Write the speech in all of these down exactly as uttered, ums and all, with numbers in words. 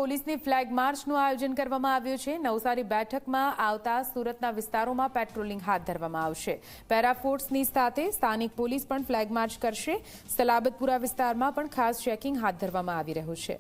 પોલીસની ફ્લેગ માર્ચનું આયોજન કરવામાં આવ્યું છે। નવસારી બેઠકમાં આવતા સુરતના વિસ્તારોમાં પેટ્રોલિંગ હાથ ધરવામાં આવશે। પેરાફોર્સની સાથે સ્થાનિક પોલીસ પણ ફ્લેગ માર્ચ કરશે। સલાબતપુરા વિસ્તારમાં પણ ખાસ ચેકિંગ હાથ ધરવામાં આવી રહ્યું છે।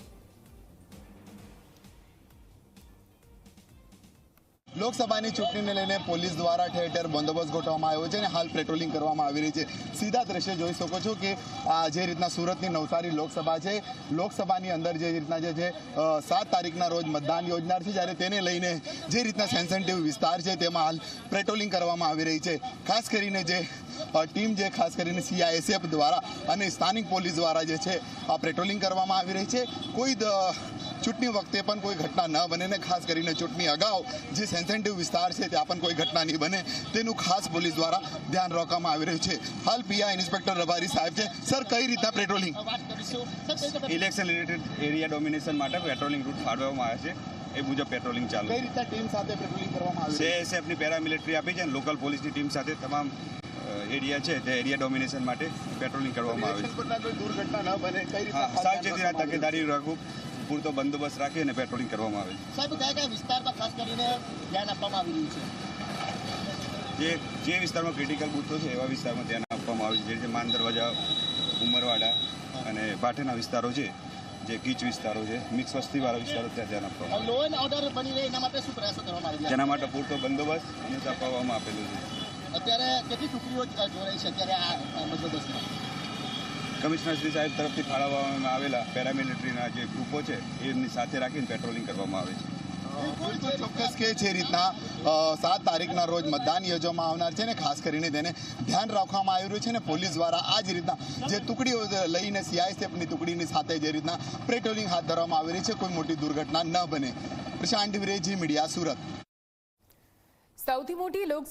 લોકસભાની ચૂંટણીને લઈને પોલીસ દ્વારા ઠેર ઠેર બંદોબસ્ત ગોઠવવામાં આવ્યો છે અને હાલ પેટ્રોલિંગ કરવામાં આવી રહી છે। સીધા દ્રશ્ય જોઈ શકો છો કે જે રીતના સુરતની નવસારી લોકસભા છે, લોકસભાની અંદર જે રીતના જે છે સાત તારીખના રોજ મતદાન યોજનાર છે, જ્યારે તેને લઈને જે રીતના સેન્સિટિવ વિસ્તાર છે તેમાં હાલ પેટ્રોલિંગ કરવામાં આવી રહી છે। ખાસ કરીને જે ટીમ જે ખાસ કરીને સીઆઈએસએફ દ્વારા અને સ્થાનિક પોલીસ દ્વારા જે છે આ પેટ્રોલિંગ કરવામાં આવી રહી છે। કોઈ ચૂંટણી વખતે પણ કોઈ ઘટના ન બને ને ખાસ કરીને ચૂંટણી અગાઉ જે સેન્સિટિવ વિસ્તાર છે ત્યાં પણ કોઈ ઘટના નહીં બને તેનું ખાસ પોલીસ દ્વારા ધ્યાન રાખવામાં આવી રહ્યું છે। હાલ પીઆઈ ઇન્સ્પેક્ટર રબારી સાહેબ છે। સર, કઈ રીતના patrolling? Election related area domination માટે પેટ્રોલિંગ રૂટ ફાળવવામાં આવે છે, એ મુજબ પેટ્રોલિંગ ચાલુ કઈ રીતના ટીમ સાથે પેટ્રોલિંગ કરવામાં આવે છે? સીઆઈએસએફની પેરામિલિટરી આપી છે અને લોકલ પોલીસની ટીમ સાથે તમામ એરિયા છે તે એરિયા ડોમિનેશન માટે પેટ્રોલિંગ કરવામાં આવે છે। કોઈ દુર્ઘટના ન બને કઈ રીતના સાવચેતીના તકેદારી રાખવું, પૂરતો બંદોબસ્ત રાખી અને પેટ્રોલિંગ કરવામાં આવે છે। સાહેબ, કયા કયા વિસ્તારમાં ખાસ કરીને ધ્યાન આપવામાં આવી રહ્યું છે? જે જે વિસ્તારમાં ક્રિટિકલ બૂથો છે એવા વિસ્તારમાં ધ્યાન આપવામાં આવે છે, જે રીતે માન દરવાજા, ઉમરવાડા અને ભાટેના વિસ્તારો છે, જે ગીચ વિસ્તારો છે, મિક્સ વસ્તીવાળા વિસ્તારો ત્યાં ધ્યાન આપવામાં આવે છે। લો એન્ડ ઓર્ડર બની રહે એના માટે શું પ્રયાસો કરવામાં આવી રહ્યા છે? જેના માટે પૂરતો બંદોબસ્ત અને આપવામાં આપેલું છે। અત્યારે કેટલી ટુકડીઓ જોડાઈ છે અત્યારે આ બંદોબસ્તમાં? કમિશનર શ્રી સાહેબ તરફથી ફાળવવામાં આવેલા પેરામિલિટરીના જે ગ્રુપો છે એમની સાથે રાખીને પેટ્રોલિંગ કરવામાં આવે છે। ચોક્કસ કે જે રીતના સાત તારીખના રોજ મતદાન યોજવામાં આવનાર છે ને ખાસ કરીને તેને ધ્યાન રાખવામાં આવી રહ્યું છે ને પોલીસ દ્વારા આ જ રીતના જે ટુકડીઓ લઈને સીઆઈએસએફની ટુકડીની સાથે જે રીતના પેટ્રોલિંગ હાથ ધરવામાં આવી રહી છે, કોઈ મોટી દુર્ઘટના ન બને। પ્રશાંત ડિવરે, જી મીડિયા, સુરત। સૌથી મોટી લોક